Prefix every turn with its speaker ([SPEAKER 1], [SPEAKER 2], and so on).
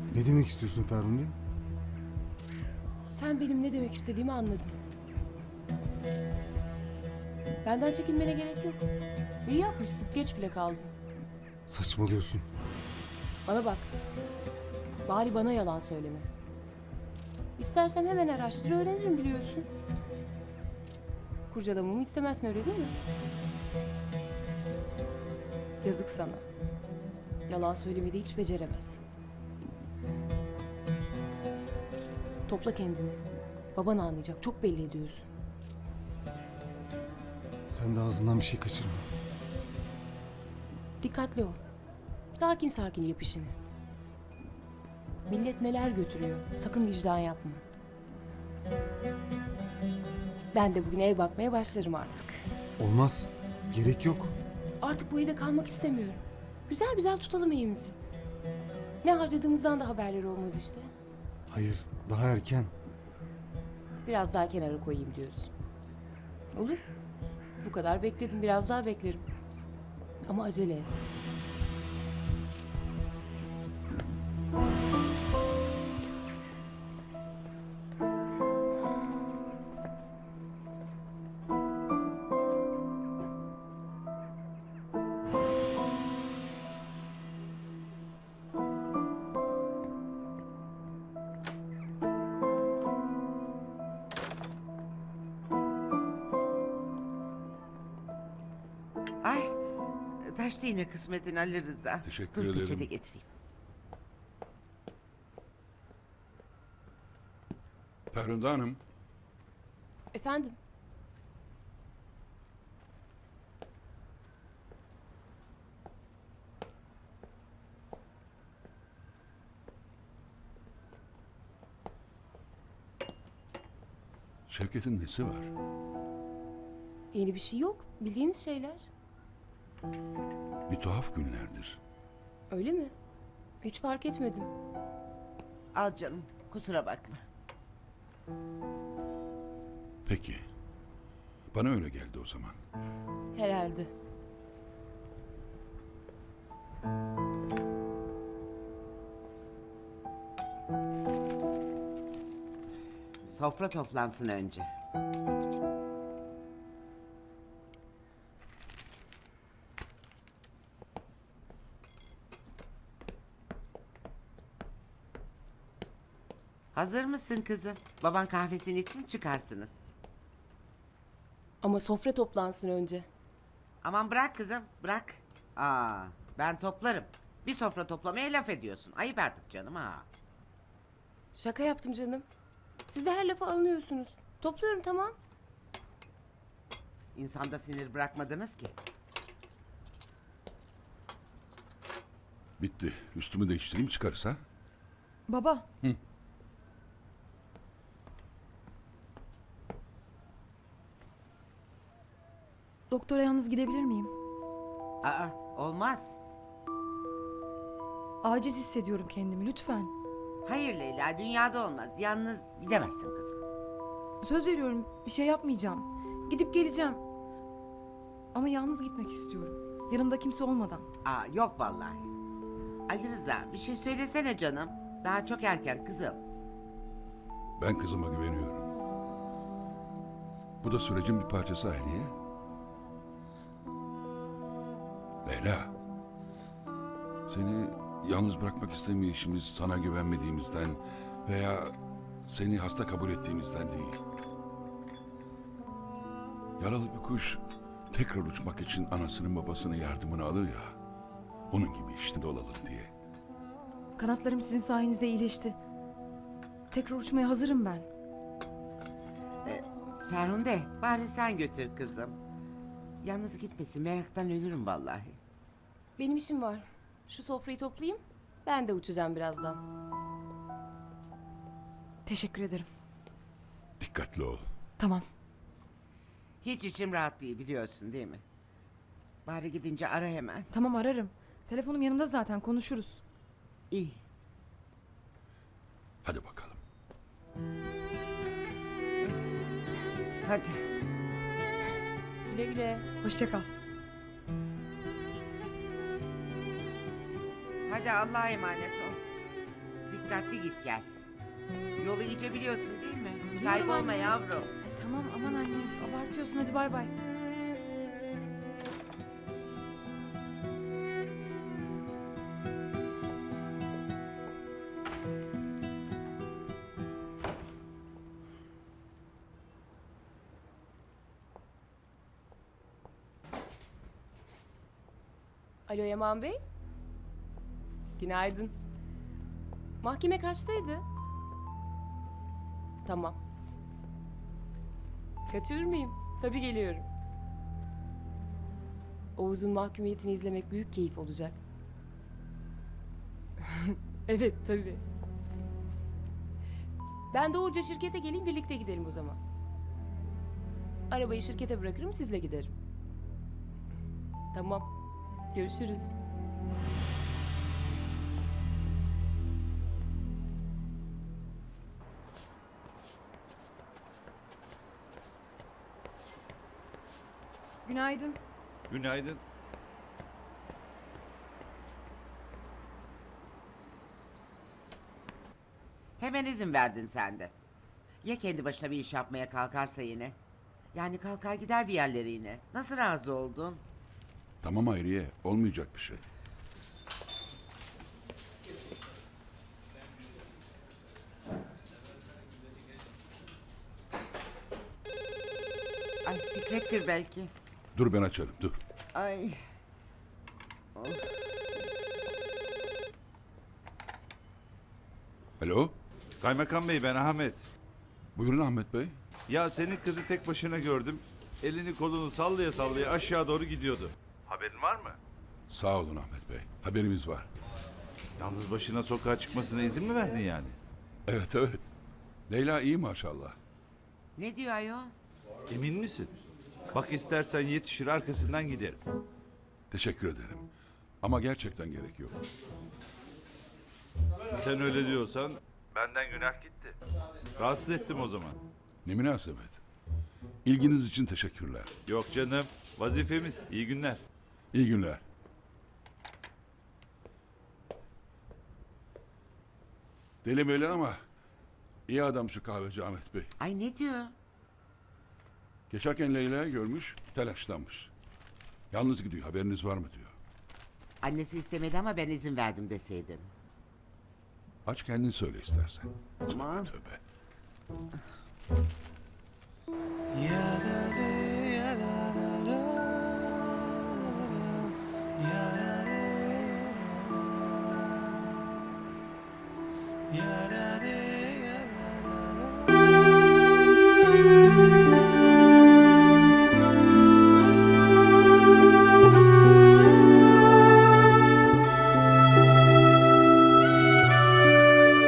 [SPEAKER 1] Ne demek istiyorsun Ferhunde?
[SPEAKER 2] Sen benim ne demek istediğimi anladın. Benden çekinmene gerek yok. İyi yapmışsın. Geç bile kaldın.
[SPEAKER 1] Saçmalıyorsun.
[SPEAKER 2] Bana bak. Bari bana yalan söyleme. İstersem hemen araştır öğrenirim biliyorsun. Kurcalamamı istemezsin öyle değil mi? Yazık sana. Yalan söylemeyi de hiç beceremez. Topla kendini. Baban anlayacak. Çok belli ediyorsun.
[SPEAKER 1] Sen de ağzından bir şey kaçırma.
[SPEAKER 2] Dikkatli ol. Sakin sakin yap işini. Millet neler götürüyor. Sakın vicdan yapma. Ben de bugün ev bakmaya başlarım artık.
[SPEAKER 1] Olmaz. Gerek yok.
[SPEAKER 2] Artık bu evde kalmak istemiyorum. Güzel güzel tutalım evimizi. Ne harcadığımızdan da haberleri olmaz işte.
[SPEAKER 1] Hayır, daha erken.
[SPEAKER 2] Biraz daha kenara koyayım diyorsun. Olur. Bu kadar bekledim. Biraz daha beklerim. Ama acele et.
[SPEAKER 3] Ay, taştı yine kısmetin Ali Rıza.
[SPEAKER 4] Teşekkür
[SPEAKER 3] Dur,
[SPEAKER 4] ederim.
[SPEAKER 3] peçete getireyim.
[SPEAKER 4] Ferhunde Hanım,
[SPEAKER 2] Efendim?
[SPEAKER 4] Şevket'in nesi var?
[SPEAKER 2] Yeni bir şey yok. Bildiğiniz şeyler.
[SPEAKER 4] Bir tuhaf günlerdir.
[SPEAKER 2] Öyle mi? Hiç fark etmedim.
[SPEAKER 3] Al canım, kusura bakma.
[SPEAKER 4] Peki. Bana öyle geldi o zaman.
[SPEAKER 2] Herhalde.
[SPEAKER 3] Sofra toplansın önce. Hazır mısın kızım? Baban kahvesini için çıkarsınız.
[SPEAKER 2] Ama sofra toplansın önce.
[SPEAKER 3] Aman bırak kızım, bırak. Ben toplarım. Bir sofra toplamaya laf ediyorsun. Ayıp artık canım ha.
[SPEAKER 2] Şaka yaptım canım. Siz de her lafa alınıyorsunuz. Topluyorum tamam.
[SPEAKER 3] İnsanda sinir bırakmadınız ki.
[SPEAKER 4] Bitti. Üstümü değiştireyim çıkarız ha?
[SPEAKER 5] Baba. Doktora yalnız gidebilir miyim?
[SPEAKER 3] Olmaz.
[SPEAKER 5] Aciz hissediyorum kendimi lütfen.
[SPEAKER 3] Hayır Leyla, dünyada olmaz. Yalnız gidemezsin kızım.
[SPEAKER 5] Söz veriyorum bir şey yapmayacağım. Gidip geleceğim. Ama yalnız gitmek istiyorum. Yanımda kimse olmadan.
[SPEAKER 3] Yok vallahi. Ali Rıza, bir şey söylesene canım. Daha çok erken kızım.
[SPEAKER 4] Ben kızıma güveniyorum. Bu da sürecin bir parçası Hayriye. Leyla. Seni yalnız bırakmak istemeyişimiz sana güvenmediğimizden veya seni hasta kabul ettiğimizden değil. Yaralı bir kuş tekrar uçmak için anasının babasının yardımını alır ya. Onun gibi işte olalım diye.
[SPEAKER 5] Kanatlarım sizin sayenizde iyileşti. Tekrar uçmaya hazırım ben.
[SPEAKER 3] Ferhunde, bari sen götür kızım. Yalnız gitmesin, meraktan ölürüm vallahi.
[SPEAKER 2] Benim işim var. Şu sofrayı toplayayım. Ben de uçacağım birazdan.
[SPEAKER 5] Teşekkür ederim.
[SPEAKER 4] Dikkatli ol.
[SPEAKER 5] Tamam.
[SPEAKER 3] Hiç içim rahat değil biliyorsun değil mi? Bari gidince ara hemen.
[SPEAKER 5] Tamam ararım. Telefonum yanımda zaten konuşuruz.
[SPEAKER 3] İyi.
[SPEAKER 4] Hadi bakalım.
[SPEAKER 3] Hadi.
[SPEAKER 2] Güle güle.
[SPEAKER 5] Hoşça kal.
[SPEAKER 3] Hadi Allah'a emanet ol. Dikkatli git gel. Yolu iyice biliyorsun değil mi?
[SPEAKER 5] Biliyorum
[SPEAKER 3] Kaybolma
[SPEAKER 5] anne.
[SPEAKER 3] yavrum.
[SPEAKER 5] Ay, tamam aman anne üf, abartıyorsun hadi bay bay.
[SPEAKER 2] Alo Yaman Bey. Günaydın. Mahkeme kaçtaydı? Tamam. Kaçırır mıyım? Tabii geliyorum. Oğuz'un mahkumiyetini izlemek büyük keyif olacak. Evet tabii. Ben doğruca şirkete geleyim, birlikte gidelim o zaman. Arabayı şirkete bırakırım, sizle giderim. Tamam. Görüşürüz.
[SPEAKER 5] Günaydın.
[SPEAKER 6] Günaydın.
[SPEAKER 3] Hemen izin verdin sen de. Ya kendi başına bir iş yapmaya kalkarsa yine? Yani kalkar gider bir yerlere yine. Nasıl razı oldun?
[SPEAKER 4] Tamam Hayriye, olmayacak bir şey.
[SPEAKER 3] Ay Fikret'tir belki.
[SPEAKER 4] Dur ben açarım, dur.
[SPEAKER 3] Ay.
[SPEAKER 4] Alo,
[SPEAKER 6] Kaymakam Bey, ben Ahmet.
[SPEAKER 4] buyurun Ahmet Bey.
[SPEAKER 6] Ya senin kızı tek başına gördüm. Elini kolunu sallaya sallaya aşağı doğru gidiyordu. Haberin var mı?
[SPEAKER 4] Sağ olun Ahmet Bey, haberimiz var.
[SPEAKER 6] Yalnız başına sokağa çıkmasına izin mi verdin yani?
[SPEAKER 4] Evet, evet. Leyla iyi maşallah.
[SPEAKER 3] Ne diyor ayol?
[SPEAKER 6] Emin misin? Bak istersen yetişir arkasından giderim.
[SPEAKER 4] Teşekkür ederim. Ama gerçekten gerek yok.
[SPEAKER 6] Sen öyle diyorsan benden günah gitti. Rahatsız ettim o zaman.
[SPEAKER 4] Ne münasebet. İlginiz için teşekkürler.
[SPEAKER 6] Yok canım, vazifemiz. İyi günler.
[SPEAKER 4] İyi günler. Deli böyle ama iyi adam şu kahveci Ahmet Bey.
[SPEAKER 3] Ay ne diyor?
[SPEAKER 4] Geçerken Leyla'yı görmüş, telaşlanmış. Yalnız gidiyor, haberiniz var mı diyor.
[SPEAKER 3] Annesi istemedi ama ben izin verdim deseydin.
[SPEAKER 4] Aç kendin söyle istersen.
[SPEAKER 3] Aman.
[SPEAKER 4] Tövbe tövbe.
[SPEAKER 7] Ya